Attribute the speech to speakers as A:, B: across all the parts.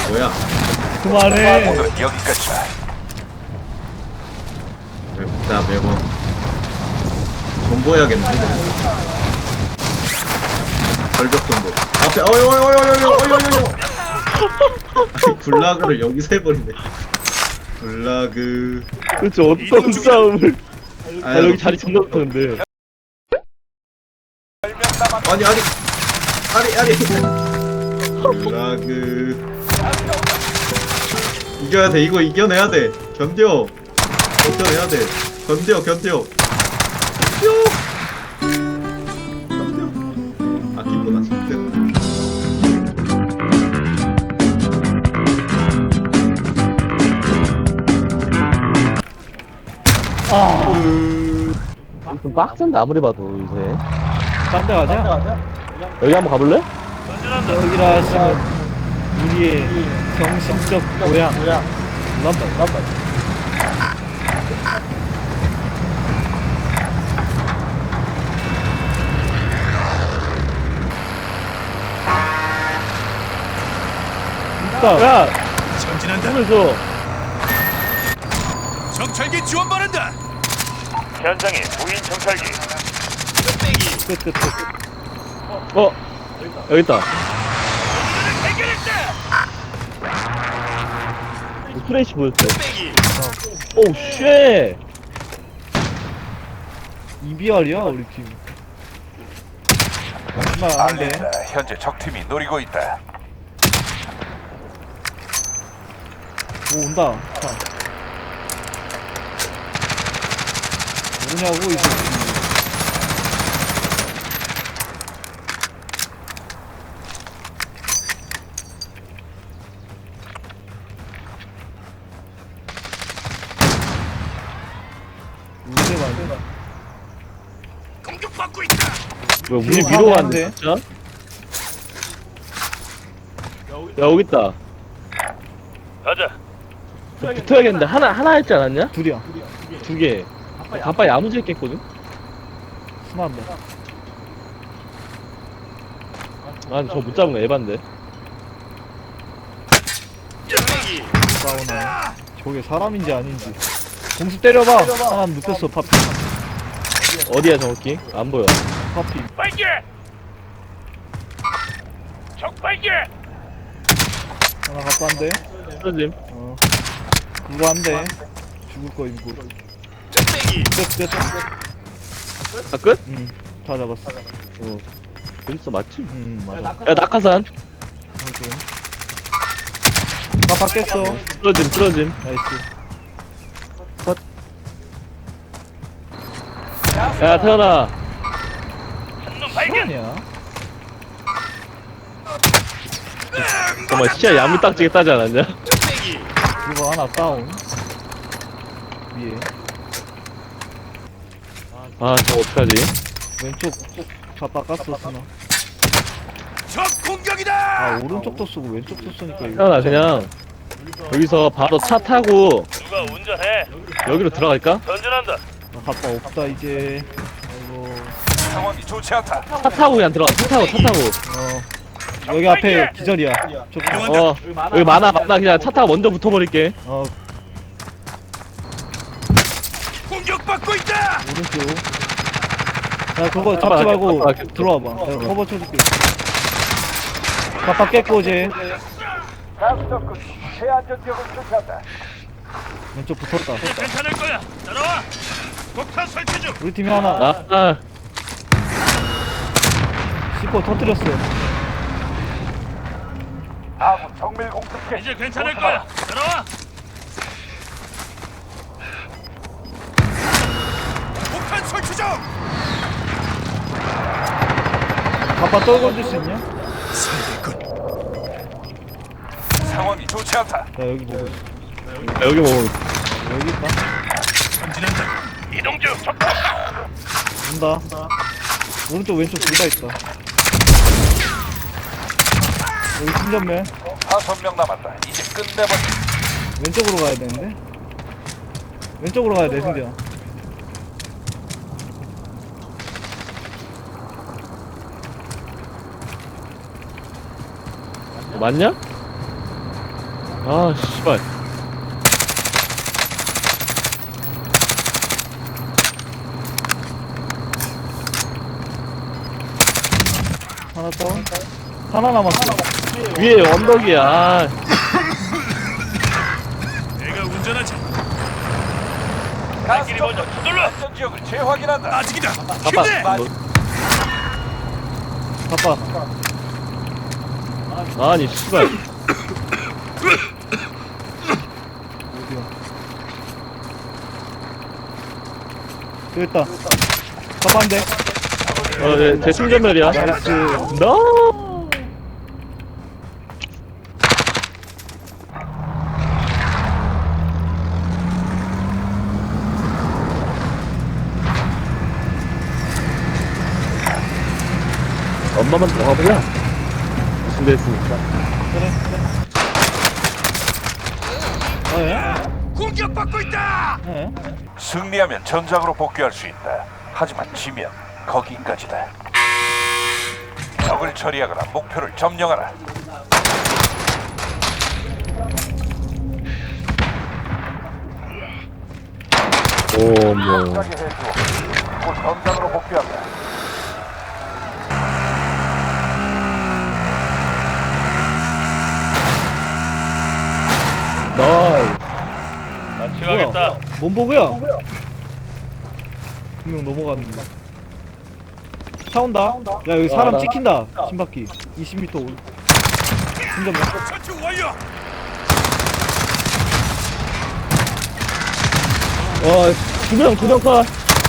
A: 뭐야?
B: 그만해.
C: 오늘은 여기까지다.
A: 자, 매번 존버해야겠는데. 절벽 존버. 앞에 어이. 아니, 굴라그를 여기서 해버리네. 굴라그.
B: 그렇지, 어떤 싸움을. 아,
A: 아니,
B: 여기 자리 존나 붙었는데.
A: 아니. 굴라그. 이겨야 돼. 이거 이겨내야 돼. 견뎌. 견뎌내야 돼. 견뎌. 아, 기쁘다, 진짜.
B: 좀 빡센데, 아무리 봐도, 요새.
D: 딴 데 가자.
B: 여기 한번 가볼래?
D: 여기라 하시면 우리의 정신적 고향. 런던. 있다.
B: 야!
C: 전진한다.
B: 손을 줘.
C: 정찰기 지원 바란다. 현장에 무인 정찰기.
D: 끝.
B: 어! 여기 있다. 프레시 보였어. 오우, 쉣!
D: 이비알이야 우리 팀. 정말 안 돼.
C: 알린다. 현재 적팀이 노리고 있다.
D: 오 온다. 자. 뭐냐고 이 새끼. 문제가
C: 공격받고 있다.
B: 뭐야, 우리
D: 뒤로
B: 위로
D: 가면
B: 갔는데,
D: 안
B: 진짜? 야, 여기 있다.
C: 가자.
B: 붙어야겠는데, 하나 했지 않았냐?
D: 둘이야.
B: 두 개. 가빠이 야무지게 깼거든?
D: 순한데.
B: 난 저거 못 잡은 거 에반데.
D: 싸우네. 저게 사람인지 아닌지. 공수 때려봐. 사람 눕혔어 파피.
B: 어디야, 정확히? 안 보여.
D: 파피.
C: 발견. 적 발견.
D: 하나 갖고 한대.
B: 쓰러짐.
D: 그거 한대. 죽을 거 이거. 끝.
B: 아, 끝?
D: 다 잡았어.
B: 어. 여기서 맞지?
D: 맞아.
B: 야, 낙하산.
D: 오케이. 다 깼어.
B: 쓰러짐.
D: 나이스.
B: 야, 태연아.
D: 아니야.
B: 정말 시야 야무딱지게 따지 않았냐?
D: 그거 하나 다운. 위에.
B: 아, 저거 어떡하지?
D: 왼쪽 다 깎았었으나.
C: 적 공격이다.
D: 아 오른쪽도 쓰고 왼쪽도 쓰니까 이거.
B: 태연아, 그냥 여기서 바로 차 타고
C: 누가 운전해?
B: 여기로 들어갈까?
C: 전진한다.
D: 아, 가빠 없다 이제. 아이고.
C: 상황이 좋지 않다.
B: 차 타고 그냥 들어가. 차 타고.
D: 여기 앞에 기절이야.
B: 어, 여기 많아. 그냥 차 타고 먼저 붙어버릴게.
C: 공격받고 있다.
D: 오른쪽. 야 그거 잡지 말고
B: 가봐.
D: 들어와봐. 내가 커버 쳐줄게. 가빠 깼고 이제. 왼쪽 붙었다.
C: 괜찮을 거야. 따라와. 폭탄 설치 중.
D: 우리 팀이 하나 C4 터뜨렸어.
C: 아군 정밀 공습기. 이제 괜찮을 거야. 따라와. 폭탄 설치 중.
D: 가빠 떨궈줄 수 있냐?
C: 상황이 좋지 않다.
D: 나 여기 보고 있어.
B: 여기 뭐
D: 여기 있다.
C: 전진한다. 이동 중. 적
D: 온다. 오른쪽 왼쪽 둘 다 있다. 여기 충전면
C: 5명 남았다. 이제 끝내버려.
D: 왼쪽으로 가야 되는데. 왼쪽으로 가야 돼 승재야.
B: 맞냐? 아 씨발.
D: 하나 다운. 하나 남았어.
B: 위에 언덕이야. 아,
C: 내가 운전하지. 가스길 먼저 서둘러. 안전 지역을 재확인한다. 아직이다.
B: 아빠.
D: 바빠.
B: 아니 씨발.
D: 어디야? 여기 있다. 바빠인데.
B: 네, 제 충전멸이야.
D: 나이스.
B: 너. 엄마만 더 가보자. 무슨 데 했으니까.
D: 그래. 예?
C: 공격받고 있다.
D: 예?
C: 승리하면 전장으로 복귀할 수 있다. 하지만 지면 거기까지다. 적을 처리하거나 목표를 점령하라.
B: 오, 뭐.
C: 하게 해주어. 곧 전장으로 복귀한다.
B: 나이.
D: 뭐야? 뭔 보고야? 분명 넘어갔는데. 차 온다. 야 여기 사람
B: 나-
D: 찍힌다. 신바퀴. 20m 올. 운전면.
C: 전투 완료.
B: 와, 두명 컷.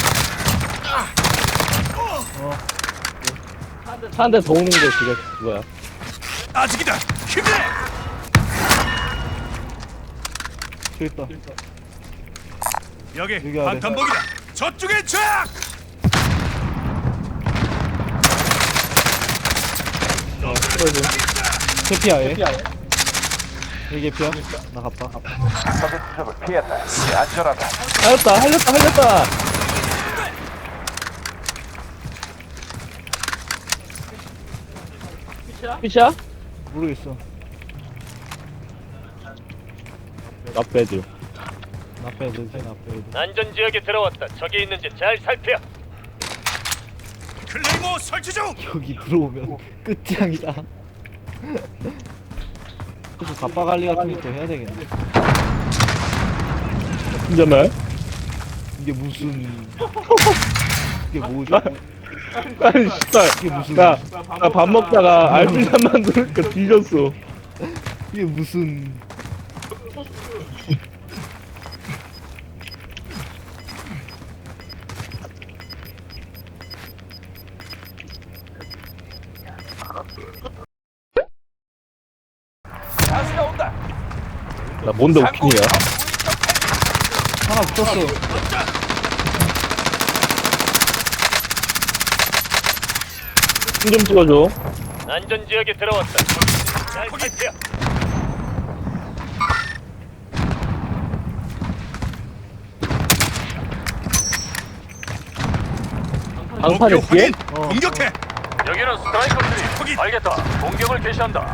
B: 한 대 더 오는 거 그거야.
C: 아직이다. 힘내.
D: 저기 있다.
C: 여기
D: 여기 아래.
C: 방탄복이다. 저쪽에 적.
D: 개피야 얘. 얘 개피야. 나 갑다.
C: 적의 추적을 피했다. 이제 안전하다.
B: 할렸다. 피샤?
D: 모르겠어.
B: 나 빼줘.
D: 나 빼야 되지. 나 빼야 돼.
E: 안전 지역에 들어왔다. 적이 있는지 잘 살펴.
C: 클레이모 설치 중.
D: 여기 들어오면 끝장이다. 그래서 갑바 관리 같은 것도 해야 되겠네.
B: 충전멸?
D: 이게 무슨 이게 뭐죠?
B: 아니 씨발.
D: 이게 무슨
B: 나 밥 먹다가 알뜰산 만드니까 뒤졌어.
D: 이게 무슨
C: 가스가 온다.
B: 나 뭔데 오픈이야?
D: 하나 붙었어.
B: 좀 찍어줘.
E: 안전 지역에 들어왔다. 잘 살펴.
B: 방판에 뒤에?
C: 공격해.
E: 여기는 스트라이커들이. 알겠다. 공격을 개시한다.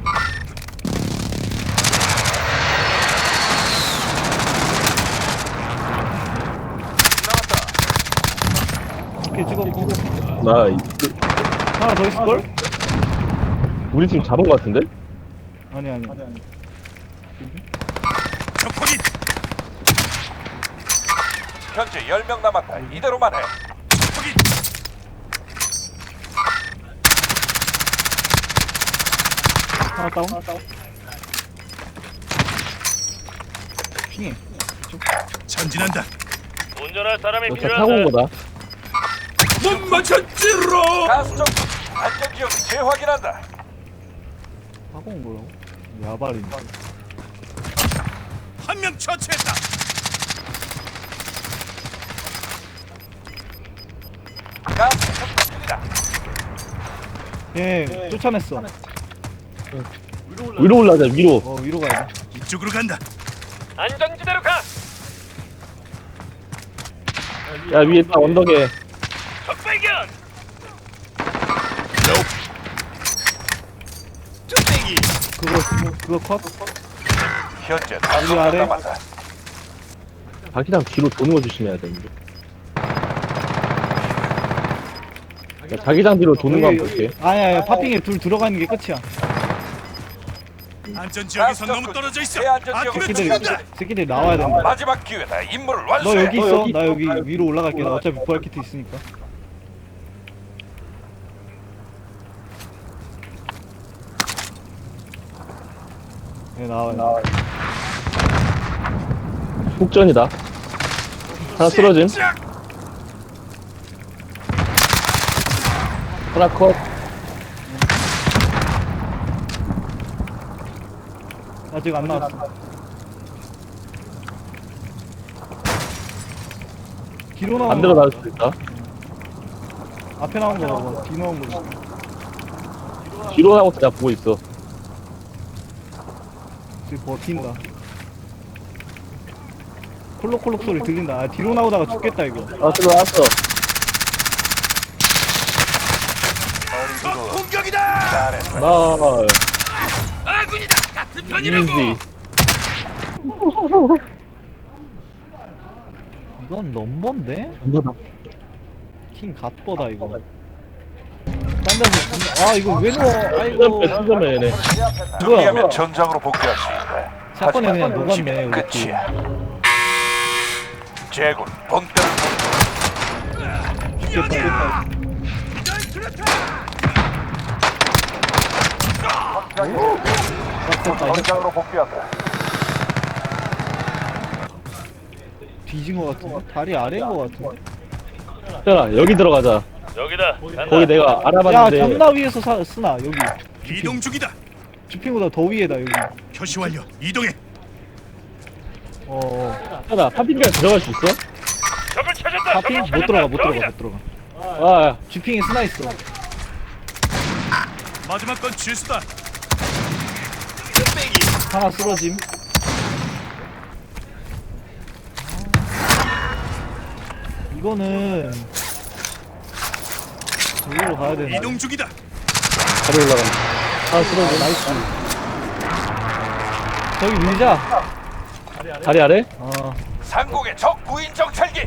D: 오케이 찍었고
B: 나
D: 하나 더 있을걸?
B: 우리 팀 잡은 거 같은데?
D: 아니
C: 적 확인. 현재 10명 남았다. 이대로만 해. 확인.
D: 하나 다운. 핑해.
C: 전진한다.
E: 운전할 사람이
B: 너차 타고 온
E: 필요하다.
B: 거다.
C: 못 맞췄지로. 가스정 안전 지역을 재확인한다.
D: 하고 온 거라고? 야발이.
C: 한 명 처치했다. 가스 접근 중이다.
D: 예, 쫓아냈어.
B: 위로 올라가자 위로.
D: 위로 가야 돼.
C: 이쪽으로 간다.
E: 안전지대로 가.
B: 야 위에 딱 언덕에.
E: 적 발견.
D: 그거 컷?
C: 현재
D: 여기
C: 5명
D: 아래?
C: 남았다.
B: 자기장 뒤로 도는 거 조심해야 되는데. 야, 자기장 뒤로 도는 거 한번 볼게.
D: 아니야, 파핑에 둘 들어가 있는 게 끝이야.
F: 안전 지역에서 너무 떨어져 있어.
C: 안전 지역으로
F: 아끼면
D: 새끼들이,
F: 죽는다.
D: 새끼들이 나와야 된다.
C: 마지막 기회다. 임무를
D: 너
C: 완수해.
D: 여기 있어? 나 여기 위로 올라갈게. 나 어차피 부활 키트 있으니까. 네, 나와요.
B: 폭전이다. 하나 쓰러짐. 하나 컷.
D: 아직 안 나왔어. 뒤로 나온
B: 반대로
D: 거,
B: 나올 수도 있다.
D: 앞에 나온 거 봐봐. 뒤 나온 거.
B: 뒤로 나온 거 내가 보고 있어.
D: 지금 버틴다. 콜록콜록 소리 들린다. 아, 뒤로 나오다가 죽겠다 이거.
B: 아, 들어왔어.
F: 적 공격이다.
C: 잘했어.
B: 나,
F: 아군이다. 같은 편이라고.
B: 이지.
D: 이건 넘버인데? 킹 갓버다 이거. 딴 데서 아 이거 왜 넣어? 아이고.
B: 승점해, 얘네.
C: 승리하면 전장으로 복귀할 수 있다.
D: 사건에 그냥
C: 하지만
D: 녹았네,
C: 지면
D: 우리
C: 끝이야. 제군 본때를
D: 죽겠다. 빡쳤다.
C: 전장으로 복귀한다.
D: 뒤진 거 같은데? 다리 아래인 거 같은데?
B: 자, 여기 들어가자.
E: 여기다. 간다.
B: 거기 내가
D: 야
B: 알아봤는데.
D: 존나 위에서 쓰나 여기.
F: 이동 중이다.
D: 주핑보다 더 위에다 여기.
F: 표시 완료. 이동해.
B: 자, 파핑까지 들어갈 수 있어?
E: 적을 찾았다.
D: 파핑?
E: 적을
D: 못 들어가 못
E: 찾았다.
D: 들어가
E: 여기다.
D: 못 들어가.
B: 아,
D: 주핑에 쓰나 있어.
F: 마지막 건 취수다.
D: 하나 쓰러짐. 이거는 여기로 가야 되나?
F: 이동 중이다.
B: 다리 올라간다. 하나 쓰러져.
D: 나이스. 저기 밀자.
B: 다리 아래?
C: 상공의 적 구인 정찰기.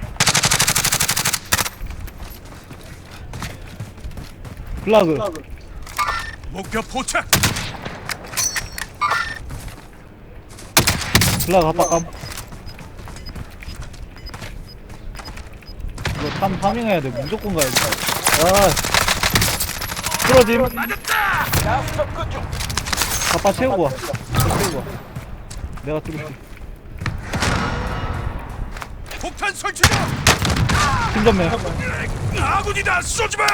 D: 플라그.
F: 목표 포착.
D: 플라그 합박감. 이거 파밍해야 돼. 무조건 가야 돼. 쓰러짐.
C: 야수 접근 중.
D: 갑바 채우고 와. 채우고 와. 내가 뚫을게.
F: 폭탄 설치다.
D: 팀전매.
F: 아군이다. 쏘지 마.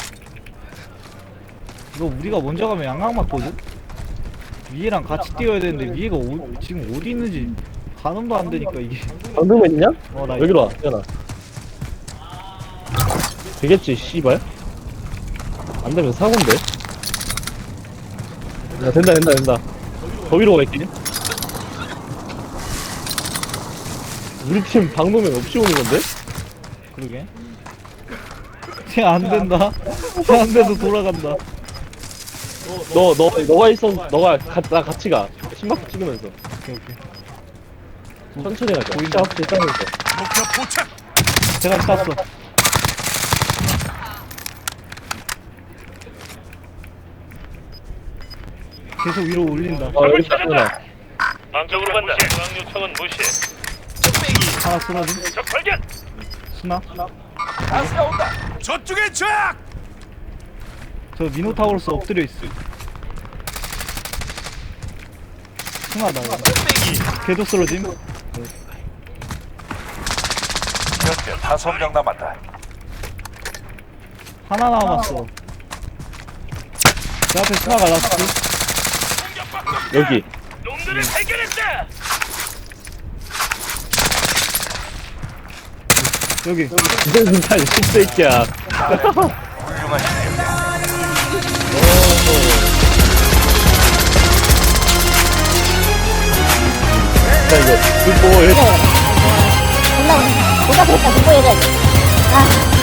D: 이거 우리가 먼저 가면 양각 맞거든? 위에랑 같이 뛰어야 되는데 위에가 지금 어디 있는지 가늠도 안 되니까 이게.
B: 방금맨 있냐?
D: 나
B: 여기로 와, 태연아. 되겠지, 씨발. 안 되면 사고인데? 야, 된다. 거기로 갈게. 우리 팀 방금맨 없이 오는 건데?
D: 그러게. 쟤안 된다. 쟤안 돼도 돌아간다.
B: 너가 있어, 나 같이 가. 심박수 찍으면서.
D: 오케이.
B: 천천히 가자.
D: 보인다.
B: 확실히 싸면서.
F: 목표 포착.
D: 제가 쐈어. 계속 위로 올린다.
B: 여기 있다, 태연아.
E: 방적으로 간다. 중앙 요청은 무시해.
D: 하나 쓰러짐.
E: 적 발견.
D: 스나.
C: 가스가 온다.
F: 저쪽에 적.
D: 저 미노타우로스 엎드려 있어. 스나다. 걔도 쓰러짐.
C: 현재 5명 남았다.
D: 하나 남았어. 제 앞에 스나가 라스트.
B: 여기.
E: 놈들을 발견했다.
D: 여기.
B: 이제 진짜 씹새끼야.
C: 훌륭한 시대.
B: 자, 이거. 그거,
G: 존나 보다 보다 공부해야지. 아.